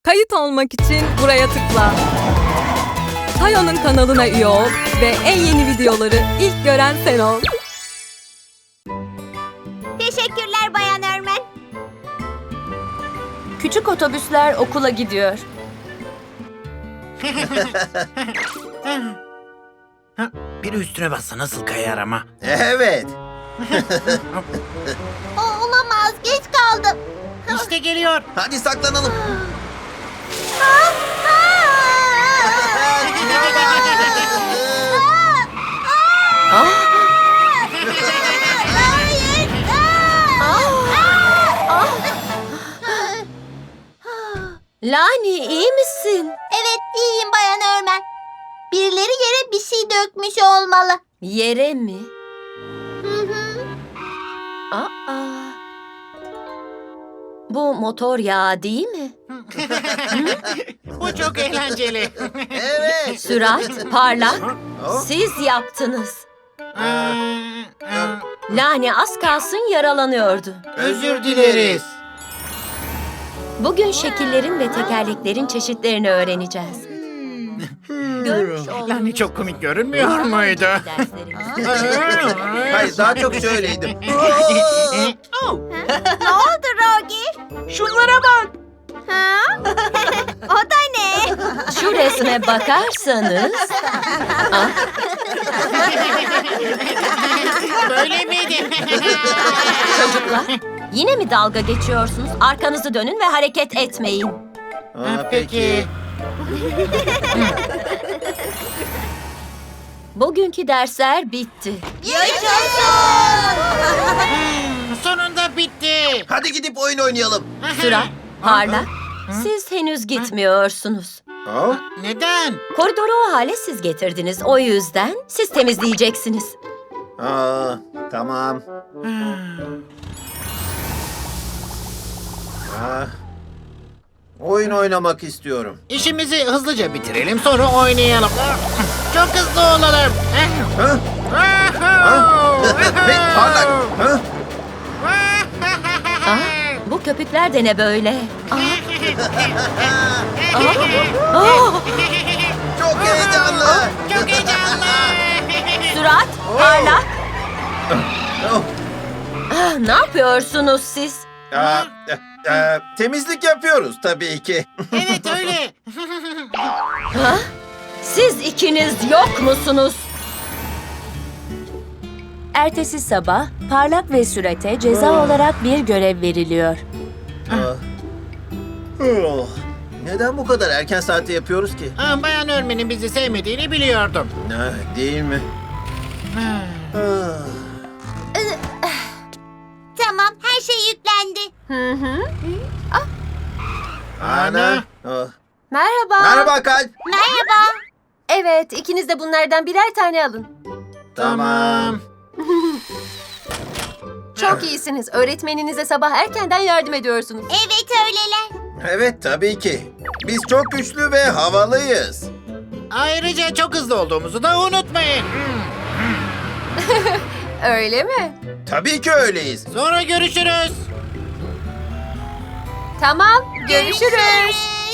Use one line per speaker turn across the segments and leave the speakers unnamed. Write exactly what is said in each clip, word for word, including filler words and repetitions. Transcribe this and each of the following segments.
Kayıt olmak için buraya tıkla. Tayo'nun kanalına üye ol ve en yeni videoları ilk gören sen ol.
Teşekkürler Bayan Örmen.
Küçük otobüsler okula gidiyor.
Biri üstüne bassa nasıl kayar ama?
Evet.
O olamaz, geç kaldım.
İşte geliyor.
Hadi saklanalım.
Lani, iyi misin?
Evet, iyiyim Bayan Örmen. Birileri yere bir şey dökmüş olmalı.
Yere mi?
Hı hı.
Aa. Bu motor yağı değil mi?
Bu çok eğlenceli.
Evet.
Sürat, parlak. Siz yaptınız. Lani az kalsın yaralanıyordu.
Özür dileriz.
Bugün şekillerin ve tekerleklerin çeşitlerini öğreneceğiz. Görmüş olduğunuz
Lani çok komik görünmüyor muydu?
derslerimiz-
Hayır, daha çok şöyleydim.
Ne oldu Rogi?
Şunlara bak.
Ha? O da ne?
Şu resme bakarsanız... Ah,
Böyle miydi?
çocuklar, yine mi dalga geçiyorsunuz? Arkanızı dönün ve hareket etmeyin.
Aa,
Peki.
Bugünkü dersler bitti.
Yaşasın!
Sonunda bitti.
Hadi gidip oyun oynayalım.
Sürat, parlak. Siz henüz gitmiyorsunuz.
Aa,
Neden?
Koridoru o hale siz getirdiniz. O yüzden siz temizleyeceksiniz.
Aa, tamam. Aa, oyun oynamak istiyorum.
İşimizi hızlıca bitirelim sonra oynayalım. Çok hızlı olalım.
Ha? Hey, parlak. Ha?
Ah, bu köpükler de ne böyle? Ah. Ah. Ah.
Çok heyecanlı.
Çok heyecanlı.
Sürat, parlak.
Oh.
Ah, ne yapıyorsunuz siz?
Aa, e, e, temizlik yapıyoruz tabii ki.
Evet öyle.
Ha? Siz ikiniz yok musunuz?
Ertesi sabah Parlak ve Sürat'e ceza olarak bir görev veriliyor.
Aa. Oh. Neden bu kadar erken saatte yapıyoruz ki?
Aa, Bayan Örmen'in bizi sevmediğini biliyordum.
Ah, değil mi? Ah.
Tamam, her şey yüklendi.
Hı hı.
Ana. Oh.
Merhaba.
Merhaba Kalp.
Merhaba.
Evet, ikiniz de bunlardan birer tane alın.
Tamam.
Çok iyisiniz. Öğretmeninize sabah erkenden yardım ediyorsunuz.
Evet öyleler.
Evet tabii ki. Biz çok güçlü ve havalıyız.
Ayrıca çok hızlı olduğumuzu da unutmayın.
Öyle mi?
Tabii ki öyleyiz.
Sonra görüşürüz.
Tamam, görüşürüz.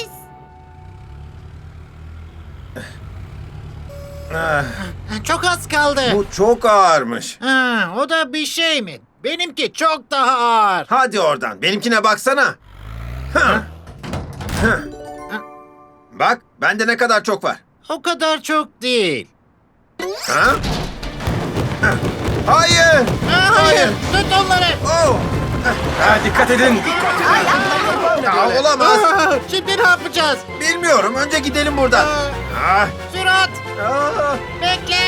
Ah,
Çok az kaldı.
bu çok ağırmış.
Ha, o da bir şey mi? Benimki çok daha ağır.
Hadi oradan. Benimkine baksana. Hah. Hah. Bak, bende ne kadar çok var.
O kadar çok değil.
Ha? Hah. Hayır.
Ha, hayır, tut onları.
Oh. Ha, dikkat edin. Ya, olamaz.
Aa, şimdi ne yapacağız?
Bilmiyorum. Önce gidelim buradan.
Aa,
Ah.
Sürat,
Ah.
bekle.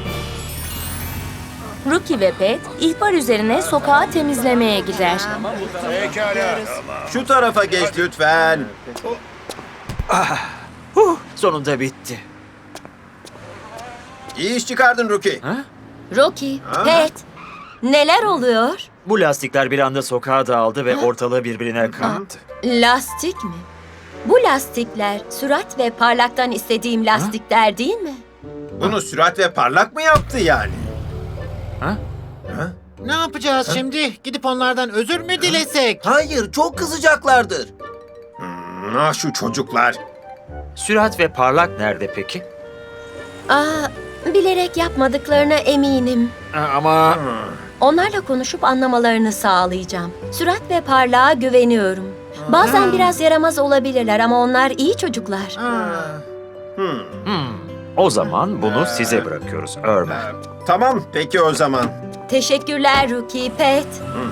Ruki ve Pet ihbar üzerine sokağı temizlemeye gider.
Şu tarafa geç lütfen.
Sonunda bitti.
İyi iş çıkardın Ruki.
Rocky,
Ha?
Pet, neler oluyor?
Bu lastikler bir anda sokağa dağıldı ve ortalığı birbirine kattı.
Lastik mi? Bu lastikler Sürat ve Parlak'tan istediğim lastikler değil mi?
Bunu Sürat ve Parlak mı yaptı yani?
Ha?
Ha?
Ne yapacağız şimdi? Gidip onlardan özür mü dilesek?
Hayır, çok kızacaklardır. Hmm. Ah şu çocuklar.
Sürat ve Parlak nerede peki?
Aa, bilerek yapmadıklarına eminim.
Ama
Onlarla konuşup anlamalarını sağlayacağım. Sürat ve Parlağa güveniyorum. Bazen biraz yaramaz olabilirler ama onlar iyi çocuklar.
o zaman bunu size bırakıyoruz Örmen.
Tamam peki o zaman.
Teşekkürler Ruki, Pet.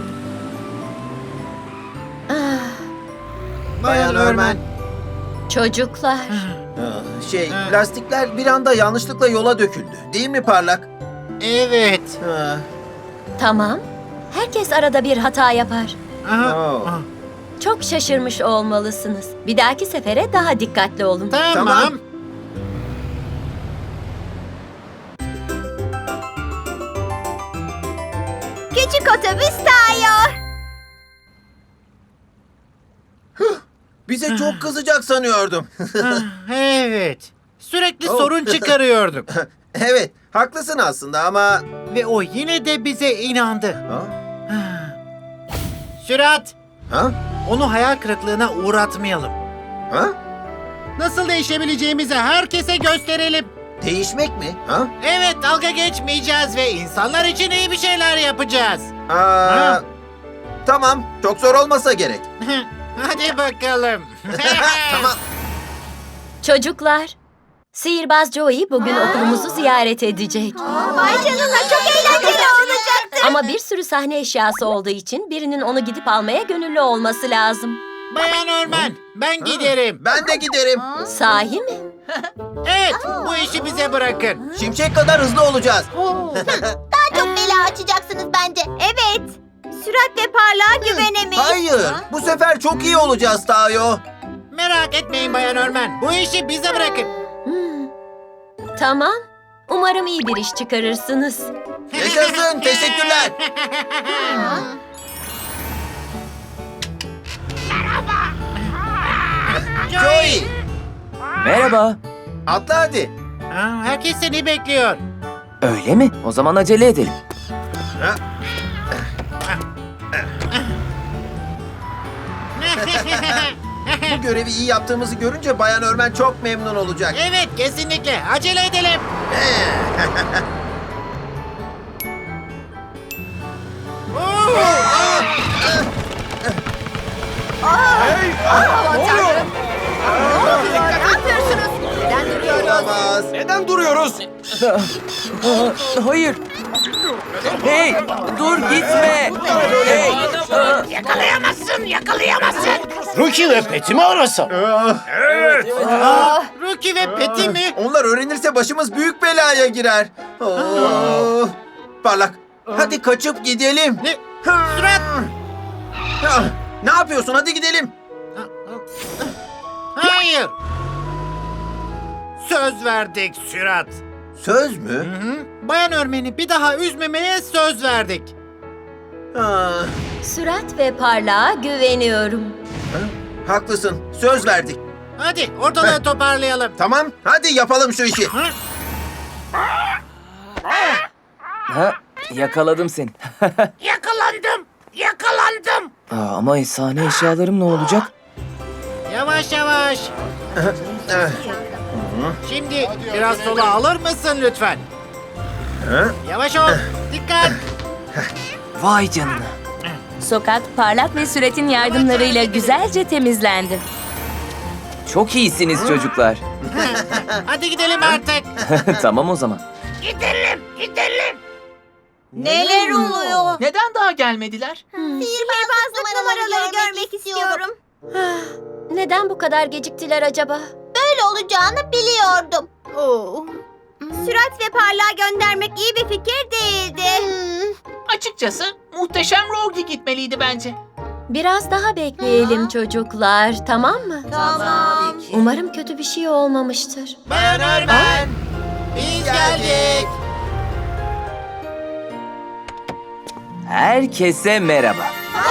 Ah,
Bayan Örmen.
çocuklar.
Şey lastikler bir anda yanlışlıkla yola döküldü. Değil mi Parlak?
Evet.
Ha.
Tamam. Herkes arada bir hata yapar.
Oo.
Çok şaşırmış olmalısınız. Bir dahaki sefere daha dikkatli olun.
Tamam.
Tamam.
Küçük otobüs Tayo.
Bize çok kızacak sanıyordum.
Evet. Sürekli
Oh.
sorun çıkarıyorduk.
Evet, haklısın aslında ama...
Ve o yine de bize inandı.
Ha?
Sürat,
Ha?
onu hayal kırıklığına uğratmayalım.
Ha?
Nasıl değişebileceğimizi herkese gösterelim.
Değişmek mi? Ha?
Evet, dalga geçmeyeceğiz ve insanlar için iyi bir şeyler yapacağız.
Aa,
Ha?
Tamam, çok zor olmasa gerek.
Hadi bakalım.
Tamam.
Çocuklar, sihirbaz Joey bugün okulumuzu ziyaret edecek.
Vay canına çok eğlenceli olacaktı.
Ama bir sürü sahne eşyası olduğu için birinin onu gidip almaya gönüllü olması lazım.
Bayan Örmen, ben giderim.
Ben de giderim.
Sahi mi?
Evet, bu işi bize bırakın.
Şimşek kadar hızlı olacağız.
Daha çok bela açacaksınız bence. Evet. Sürat ve parlağa güvenemeyiz.
Hayır, bu sefer çok iyi olacağız Tayo.
Merak etmeyin Bayan Örmen, bu işi bize bırakın.
Hmm. Tamam. Umarım iyi bir iş çıkarırsınız.
Yaşasın, teşekkürler. Joey,
Merhaba.
atla hadi.
Ha, herkes seni bekliyor.
Öyle mi? O zaman acele edelim.
Bu görevi iyi yaptığımızı görünce Bayan Örmen çok memnun olacak.
Evet, kesinlikle. Acele edelim.
Olamaz.
Neden duruyoruz? Hayır. Hey, dur gitme. Hey.
Ruki ve Pet'i mi arasam?
Ruki ve Peti mi?
Onlar öğrenirse başımız büyük belaya girer. Oo. Parlak, hadi kaçıp gidelim.
Ne? Sürat!
Ah, Ne yapıyorsun? Hadi gidelim.
Hayır. Söz verdik Sürat.
Söz mü?
Hı? Bayan Örmen'i bir daha üzmemeye söz verdik.
Ah,
Sürat ve Parlağa güveniyorum.
haklısın. Söz verdik.
Hadi ortalığı
Heh.
toparlayalım.
Tamam, hadi yapalım şu işi.
Ha, yakaladım seni.
Yakalandım. Yakalandım.
Aa, ama efsane eşyalarım ne olacak?
Yavaş yavaş.
Ah,
Şimdi biraz sola alır mısın lütfen?
ha?
Yavaş ol. Dikkat.
Vay canına.
Sokak Parlak ve Sürat'in yardımlarıyla güzelce temizlendi.
Çok iyisiniz çocuklar.
Hadi gidelim artık.
Tamam o zaman.
Neler oluyor?
Neden daha gelmediler?
Sihirbazlık numaraları görmek istiyorum.
Neden bu kadar geciktiler acaba?
Böyle olacağını biliyordum. Sürat ve parlağa göndermek iyi bir fikir değildi.
Açıkçası muhteşem Rogi gitmeliydi bence.
Biraz daha bekleyelim çocuklar, tamam mı?
Tamam.
Umarım kötü bir şey olmamıştır.
Bayan Örmen. Biz geldik.
Herkese merhaba.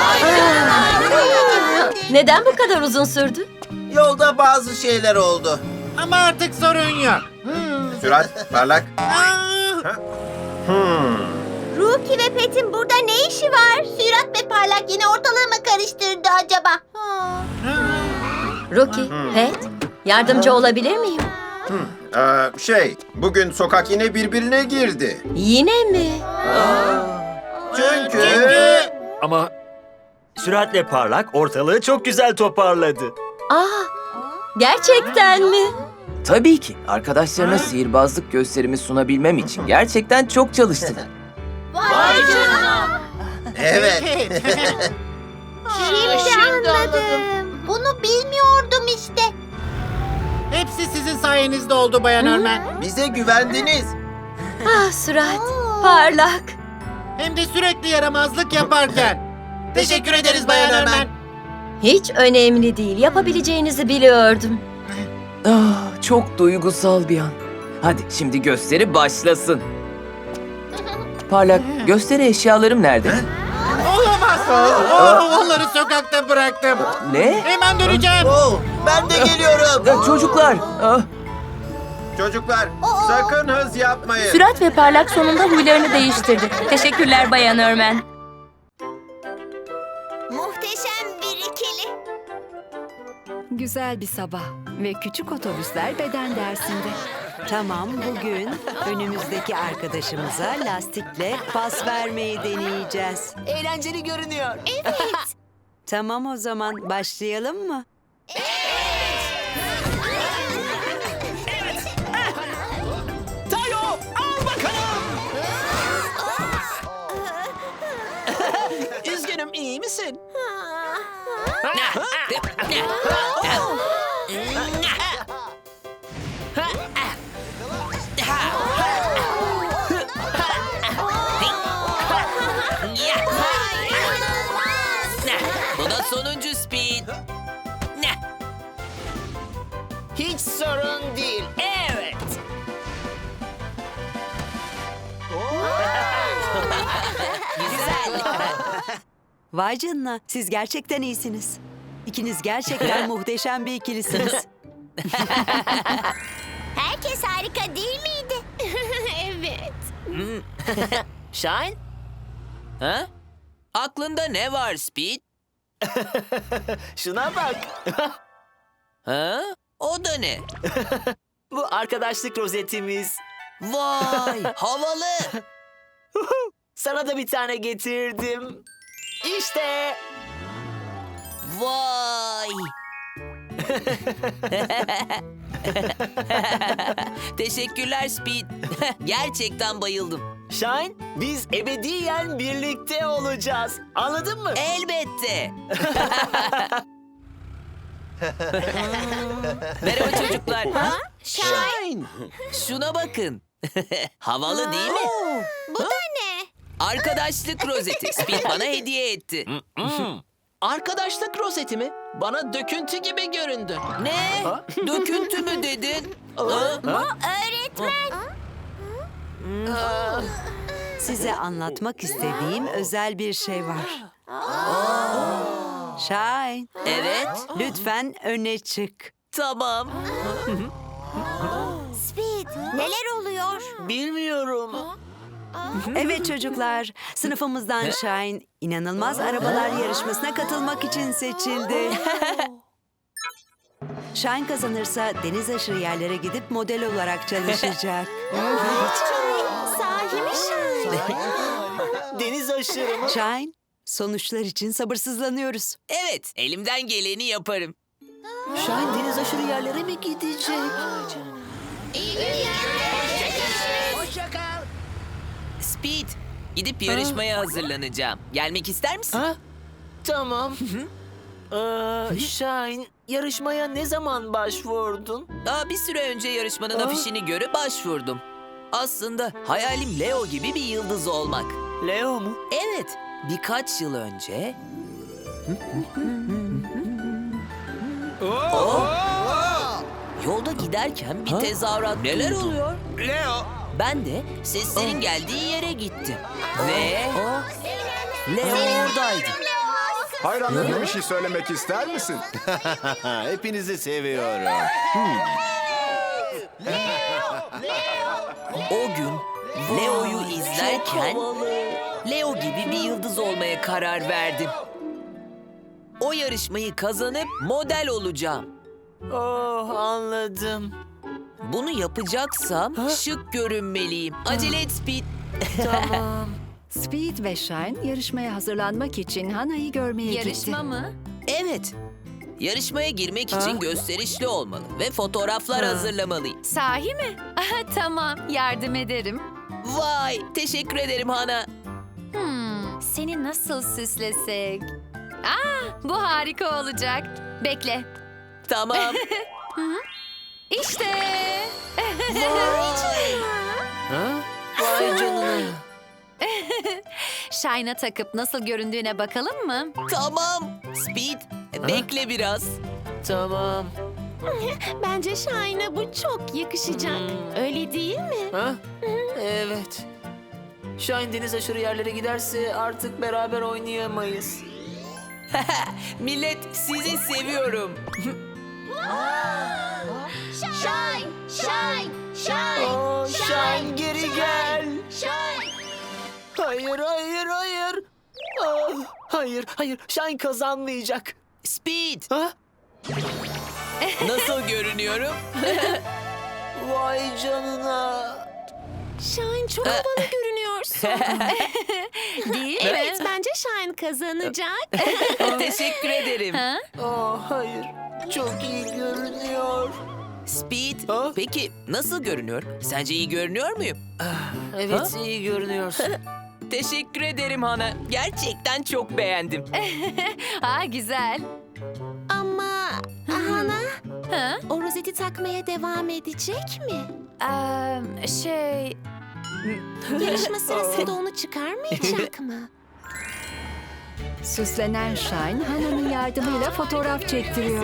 Neden bu kadar uzun sürdü?
Yolda bazı şeyler oldu.
Ama artık sorun yok.
Sürat, Parlak.
Aa,
Hmm.
Ruki ve Pet'in burada ne işi var? Sürat ve parlak yine ortalığı mı karıştırdı acaba?
Rocky, Pet, yardımcı olabilir miyim?
Ee, şey, bugün sokak yine birbirine girdi.
Yine mi?
Çünkü...
Ama süratle parlak ortalığı çok güzel toparladı.
Aa, gerçekten mi?
Tabii ki. Arkadaşlarına sihirbazlık gösterimi sunabilmem için gerçekten çok çalıştılar.
Vay canına.
Evet.
Şimdi anladım. Bunu bilmiyordum işte.
Hepsi sizin sayenizde oldu Bayan Örmen.
Bize güvendiniz.
Ah Sürat, parlak.
Hem de sürekli yaramazlık yaparken. Teşekkür ederiz Bayan Örmen.
Hiç önemli değil, yapabileceğinizi biliyordum.
Ah, çok duygusal bir an. Hadi şimdi gösteri başlasın. Parlak, gösteri eşyalarım nerede?
Olamaz. Oh, onları sokakta bıraktım.
Ne?
Hemen döneceğim.
Ben de geliyorum.
Ya, çocuklar. Ah,
Çocuklar, sakın hız yapmayın.
Sürat ve Parlak sonunda huylarını değiştirdi. Teşekkürler Bayan Örmen.
Muhteşem bir ikili.
Güzel bir sabah ve küçük otobüsler beden dersinde. Tamam, bugün önümüzdeki arkadaşımıza lastikle pas vermeyi deneyeceğiz.
Eğlenceli görünüyor.
Tamam, o zaman başlayalım mı?
Tayo, al bakalım. Üzgünüm, iyi misin?
Bu da sonuncu Speed.
Hiç sorun değil.
Evet. Güzel.
Vay canına, siz gerçekten iyisiniz. İkiniz gerçekten muhteşem bir ikilisiniz.
Herkes harika değil miydi? Evet.
Shine? Ha? Aklında ne var Speed?
Şuna bak.
Ha? O da ne?
Bu arkadaşlık rozetimiz.
Vay, havalı.
Sana da bir tane getirdim. İşte.
Vay. Teşekkürler Speed. Gerçekten bayıldım.
Shine, biz ebediyen birlikte olacağız. Anladın mı?
Elbette. Merhaba çocuklar.
Shine.
Şuna bakın. Havalı değil mi?
Bu da ne?
Arkadaşlık rozeti. Speed bana hediye etti.
Arkadaşlık rozeti mi? Bana döküntü gibi göründü.
Ne? Döküntü mü dedin? Ha?
Öğretmen.
Size anlatmak istediğim özel bir şey var. Shine,
Evet.
lütfen öne çık.
Tamam.
Speed, neler oluyor?
Bilmiyorum.
Evet çocuklar, sınıfımızdan Shine inanılmaz arabalar yarışmasına katılmak için seçildi. Shine kazanırsa deniz aşırı yerlere gidip model olarak çalışacak.
Sahi mi Şahin?
Deniz aşırı mı?
Shine, sonuçlar için sabırsızlanıyoruz.
Evet, elimden geleni yaparım.
Shine deniz aşırı yerlere mi gidecek?
Speed, gidip yarışmaya hazırlanacağım. Gelmek ister misin?
Ha? Tamam. Ee, Shine, yarışmaya ne zaman başvurdun?
Daha bir süre önce yarışmanın afişini görüp başvurdum. Aslında hayalim Leo gibi bir yıldız olmak.
Leo mu?
Evet, birkaç yıl önce... Oh! Yolda giderken bir tezahürat
Neler
duydum.
oluyor? Leo.
Ben de seslerin geldiği yere gittim. Ve... Leo oradaydı.
Hayranlarına bir şey söylemek ister misin? Hepinizi seviyorum.
O gün Leo'yu izlerken Leo gibi bir yıldız olmaya karar verdim. O yarışmayı kazanıp model olacağım. Oh, anladım. Bunu yapacaksam şık görünmeliyim. Acele et Speed.
Tamam. Speed ve Shine yarışmaya hazırlanmak için Hana'yı görmeye gitti.
Yarışma mı?
Evet. Yarışmaya girmek için gösterişli olmalı ve fotoğraflar hazırlamalıyım.
Sahi mi? Aha, tamam, yardım ederim.
Vay, teşekkür ederim Hana.
Hmm, seni nasıl süslesek? Aa, bu harika olacak. Bekle.
Tamam.
İşte.
Ha? Vay canına.
Shine'a takıp nasıl göründüğüne bakalım mı?
Tamam. Speed, bekle biraz. Tamam.
Bence Shine'a bu çok yakışacak. Öyle değil mi?
Ha? Evet. Shine deniz aşırı yerlere giderse artık beraber oynayamayız. Millet, sizi seviyorum.
Shine, Shine, Shine,
Oh, Shine geri gel.
Shine.
Hayır, hayır, hayır. Ah, hayır, hayır. Shine kazanmayacak.
Speed,
Ha?
nasıl görünüyorum?
Vay canına.
Shine çok havalı görünüyorsun.
Değil
Evet,
mi?
bence Shine kazanacak.
Teşekkür ederim.
Oh, hayır. Çok iyi görünüyor.
Speed,
Ha?
peki nasıl görünüyor? Sence iyi görünüyor muyum?
Evet, iyi görünüyorsun.
Teşekkür ederim Hana. Gerçekten çok beğendim.
Aa, güzel.
Ama Hana,
Ha?
o rozeti takmaya devam edecek mi?
Ee, şey...
Yarışma sırasında onu çıkarmayacak mı?
Süslenen Shine, Hana'nın yardımıyla fotoğraf çektiriyor.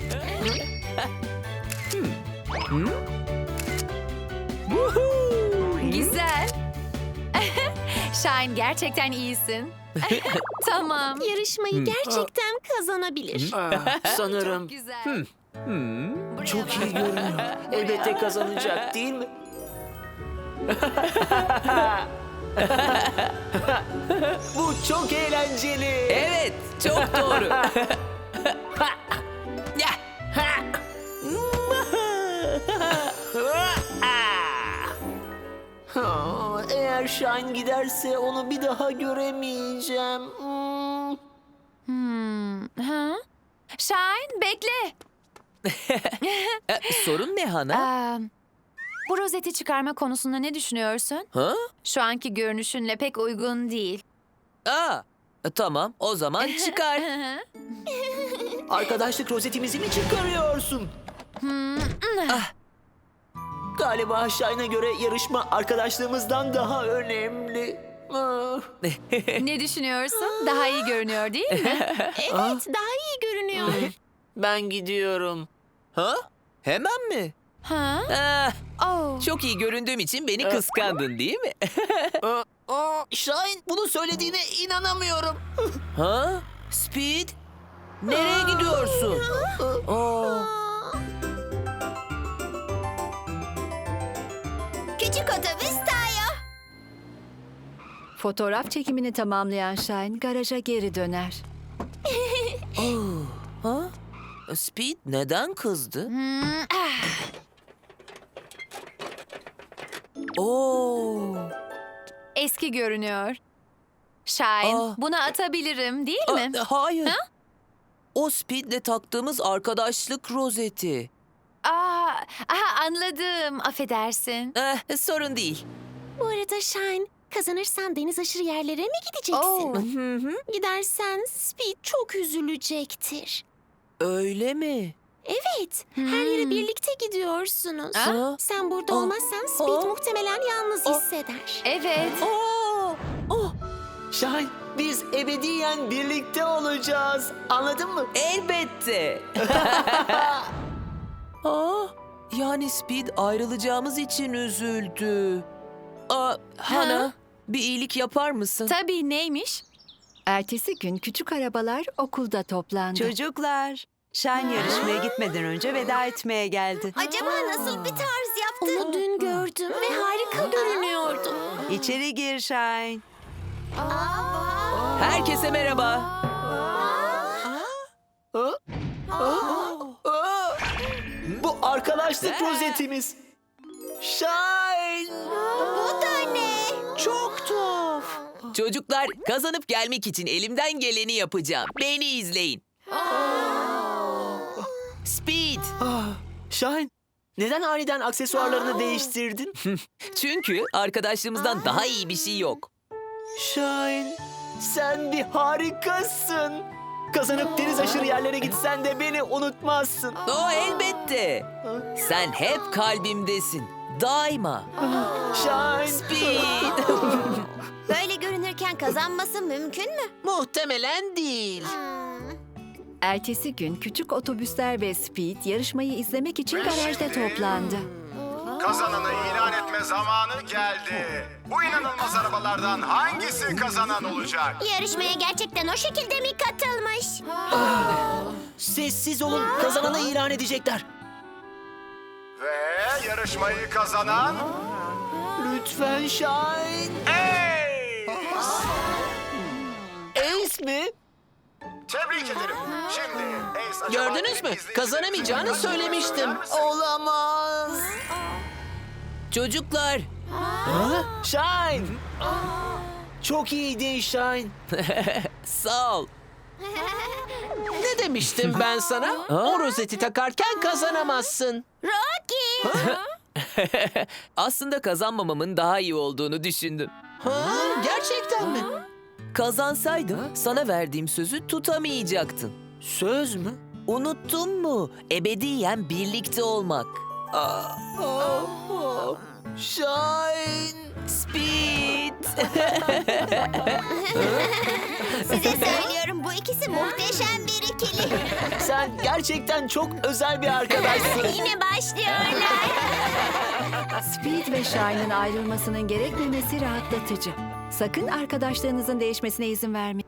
Güzel. Shine, gerçekten iyisin. Tamam.
Yarışmayı gerçekten kazanabilir.
Ah, sanırım.
Güzel. Buraya
Çok
bak.
iyi görünüyor. Elbette kazanacak değil mi? Bu çok eğlenceli.
Evet, çok doğru. Ya.
Ha, eğer Shine giderse onu bir daha göremeyeceğim. Hmm.
Hmm. Ha? Shine, bekle.
E, Sorun ne Hana?
Ee, bu rozeti çıkarma konusunda ne düşünüyorsun?
Ha?
Şu anki görünüşünle pek uygun değil.
Aa, e, tamam, o zaman çıkar.
Arkadaşlık rozetimizi mi çıkarıyorsun? Ah. Galiba Shine'a göre yarışma arkadaşlığımızdan daha önemli. Ah.
Ne düşünüyorsun? Daha iyi görünüyor değil mi?
Evet, daha iyi görünüyor.
Ben gidiyorum.
Ha? Hemen mi?
Ha?
Ah,
Oh.
çok iyi göründüğüm için beni kıskandın değil mi?
Aa, aa, Shine, bunu söylediğine inanamıyorum.
Ha? Speed? Nereye gidiyorsun? Aa.
Küçük otobüs Tayo.
Fotoğraf çekimini tamamlayan Shine garaja geri döner.
Ha? Speed neden kızdı?
Hmm, ah.
Oo.
Eski görünüyor. Shine,
Aa.
bunu atabilirim değil mi?
Aa, hayır. O Speed'le taktığımız arkadaşlık rozeti.
Aa, aha, anladım. Affedersin.
Eh, sorun değil.
Bu arada Shine, kazanırsan deniz aşırı yerlere mi gideceksin?
Oo.
Hı hı.
Gidersen Speed çok üzülecektir.
Öyle mi?
Evet, her yere birlikte gidiyorsunuz.
Aa.
Sen burada
Aa.
olmazsan Speed
Aa.
muhtemelen yalnız hisseder.
Evet.
Oo. Oh,
Shine, biz ebediyen birlikte olacağız. Anladın mı?
elbette. Aa, yani Speed ayrılacağımız için üzüldü. Aa, Hana,
Ha?
bir iyilik yapar mısın?
Tabii, neymiş?
Ertesi gün küçük arabalar okulda toplandı.
Çocuklar, Shine yarışmaya gitmeden önce veda etmeye geldi.
Acaba nasıl bir tarz yaptı? Onu dün gördüm ve harika görünüyordu.
İçeri gir Shine.
Herkese merhaba.
Aa, aa, aa. Bu arkadaşlık rozetimiz. Shine!
Bu da ne?
Çok tuhaf.
Çocuklar, kazanıp gelmek için elimden geleni yapacağım. Beni izleyin. Speed.
Ah, Shine, neden aniden aksesuarlarını değiştirdin?
Çünkü arkadaşlığımızdan daha iyi bir şey yok.
Shine, sen bir harikasın. Kazanıp deniz aşırı yerlere gitsen de beni unutmazsın.
O elbette. Sen hep kalbimdesin. Daima.
Shine.
Speed.
Böyle görünürken kazanması mümkün mü?
Muhtemelen değil.
Ertesi gün küçük otobüsler ve Speed yarışmayı izlemek için garajda toplandı.
Kazananı ilan etme zamanı geldi. Bu inanılmaz arabalardan hangisi kazanan olacak?
Yarışmaya gerçekten o şekilde mi katılmış?
Sessiz olun, kazananı ilan edecekler.
Ve yarışmayı kazanan...
Lütfen Shine.
Ace!
Ace mi?
Tebrik ederim. Şimdi Ace acaba
Gördünüz mü?
izleyicilerimize
Kazanamayacağını
bir şey
söylemiştim.
söyler misin?
Olamaz.
Çocuklar,
Ha? Shine. Çok iyiydin Shine.
sağ ol.
Ne demiştim ben sana? O rozeti takarken kazanamazsın.
Rocky!
Aslında kazanmamamın daha iyi olduğunu düşündüm.
Ha, gerçekten mi?
Kazansaydım sana verdiğim sözü tutamayacaktın.
Söz mü?
Unuttun mu? Ebediyen birlikte olmak.
Ah, ah, ah. Shine.
Speed.
Size söylüyorum, bu ikisi muhteşem bir ikili.
Sen gerçekten çok özel bir arkadaşsın.
Yine başlıyorlar.
Speed ve Shine'ın ayrılmasının gerekmemesi rahatlatıcı. Sakın arkadaşlarınızın değişmesine izin vermeyin.